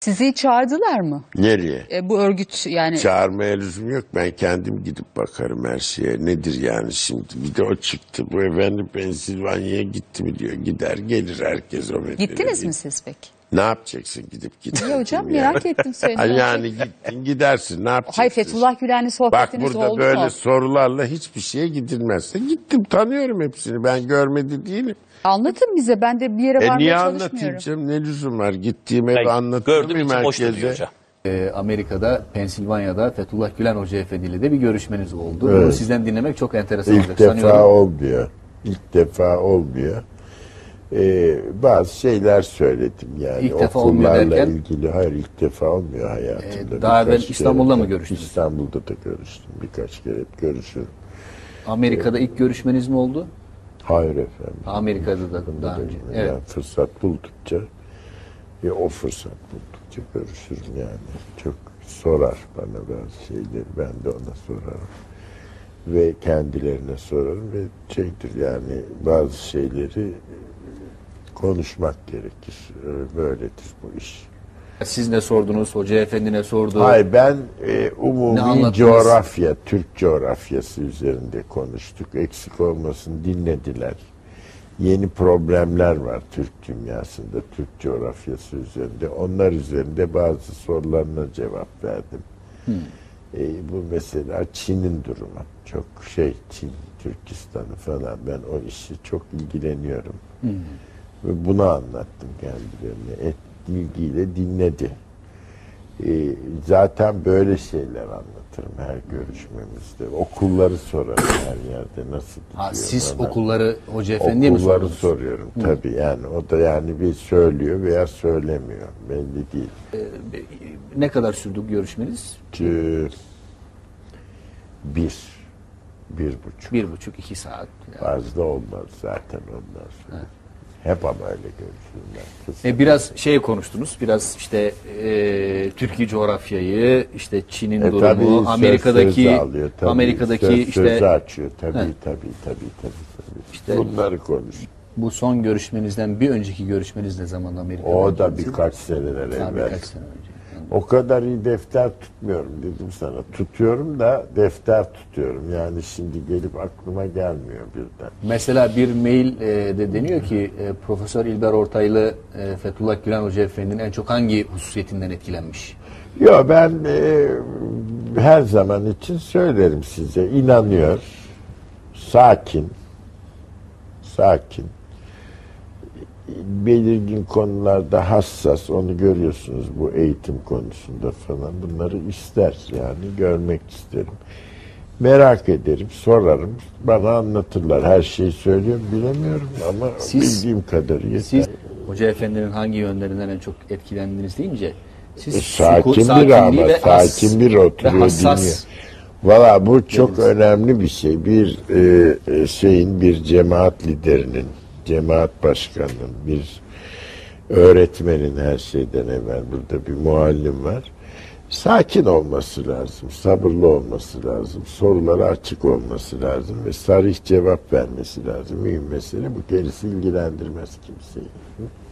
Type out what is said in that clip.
Sizi çağırdılar mı? Nereye? Bu örgüt yani. Çağırmaya lüzum yok. Ben kendim gidip bakarım her şeye. Nedir yani şimdi? Bir de o çıktı. Bu efendim Pensilvanya'ya gitti mi diyor. Gider gelir herkes o meseleye. Gittiniz mi siz peki? Ne yapacaksın gidip Niye hocam? yani. Merak ettim seni. Yani gittin gidersin. Ne yapacaksın? Hayır, Fethullah Gülen'le Bak sohbetiniz burada oldu böyle mu? sorularla hiçbir şeye gidilmezse. Gittim, tanıyorum hepsini. Ben görmedi değilim. Anlatın bize. Ben de bir yere varmaya Niye çalışmıyorum. anlatayım canım? Ne lüzum var? Gittiğim evi Ben anlatır gördüğüm mıyım için boş duruyor herkese? hocam. Amerika'da, Pensilvanya'da Fethullah Gülen Hoca Efendi ile de bir görüşmeniz oldu. Evet. Bunu sizden dinlemek çok enteresan olacak İlk defa sanıyorum. olmuyor. İlk defa olmuyor. Bazı şeyler söyledim yani. İlk defa olmuyor okullarla derken? ilgili. Hayır, ilk defa olmuyor hayatımda. Daha evvel Birkaç İstanbul'da kere- mı görüştünüz? İstanbul'da da görüştüm. Birkaç kere hep görüşürüm. Amerika'da ilk görüşmeniz mi oldu? Hayır efendim. Amerika'da da daha önce. Evet. Yani fırsat buldukça o fırsat buldukça görüşürüm yani. Çok sorar bana bazı şeyleri. Ben de ona sorarım. Ve kendilerine sorarım ve şeydir yani bazı şeyleri konuşmak gerekir. Böyledir bu iş. Siz ne sordunuz? Hoca Efendi ne sordu? Hayır, ben Ne umumi anlattınız? coğrafya, Türk coğrafyası üzerinde konuştuk. Eksik olmasın dinlediler. Yeni problemler var Türk dünyasında, Türk coğrafyası üzerinde. Onlar üzerinde bazı sorularına cevap verdim. Bu mesela Çin'in durumu. Çok Çin, Türkistan'ı falan. Ben o işi çok ilgileniyorum. Ve bunu anlattım kendilerine. İlgiyle dinledi. Zaten böyle şeyler anlatırım her görüşmemizde. Okulları sorarım her yerde nasıl gidiyor. Siz bana. okulları Hoca Efendi'ye mi Okulları sordunuz? soruyorum tabii yani. O da yani bir söylüyor veya söylemiyor. Belli değil. Ne kadar sürdü bu görüşmeniz? Bir buçuk. 1,5-2 saat. Fazla olmaz zaten ondan sonra. Hep ama öyle görüşürler. Biraz konuştunuz. Biraz işte Türkiye coğrafyayı, işte Çin'in durumu, Tabii Amerika'daki söz alıyor, tabii. Amerika'daki sözü işte açıyor. Tabii. İşte bunları konuş. bu son görüşmenizden bir önceki görüşmeniz ne zaman Amerika'da? O da birkaç seneler evvel. Birkaç sene önce. O kadar iyi defter tutmuyorum dedim sana. Tutuyorum da defter tutuyorum. Yani şimdi gelip aklıma gelmiyor birden. Mesela bir mail de deniyor ki Profesör İlber Ortaylı Fethullah Gülen Hoca Efendi'nin en çok hangi hususiyetinden etkilenmiş? Yo, ben her zaman için söylerim size. İnanıyor. Sakin. Belirgin konularda hassas. Onu görüyorsunuz bu eğitim konusunda falan. Bunları ister yani. Görmek isterim. Merak ederim. Sorarım. Bana anlatırlar. Her şeyi söylüyorum. Bilemiyorum ama bildiğim kadarıyla. Siz Hoca Efendi'nin hangi yönlerinden en çok etkilendiniz deyince siz Sakin bir ama sakin bir oturuyor dinliyor. Valla bu çok önemli bir şey. Bir bir cemaat liderinin, cemaat başkanının, bir öğretmenin her şeyden evvel burada bir muallim var. Sakin olması lazım, sabırlı olması lazım, sorulara açık olması lazım ve sarih cevap vermesi lazım. Mühim mesele bu, gerisi ilgilendirmez kimseyi.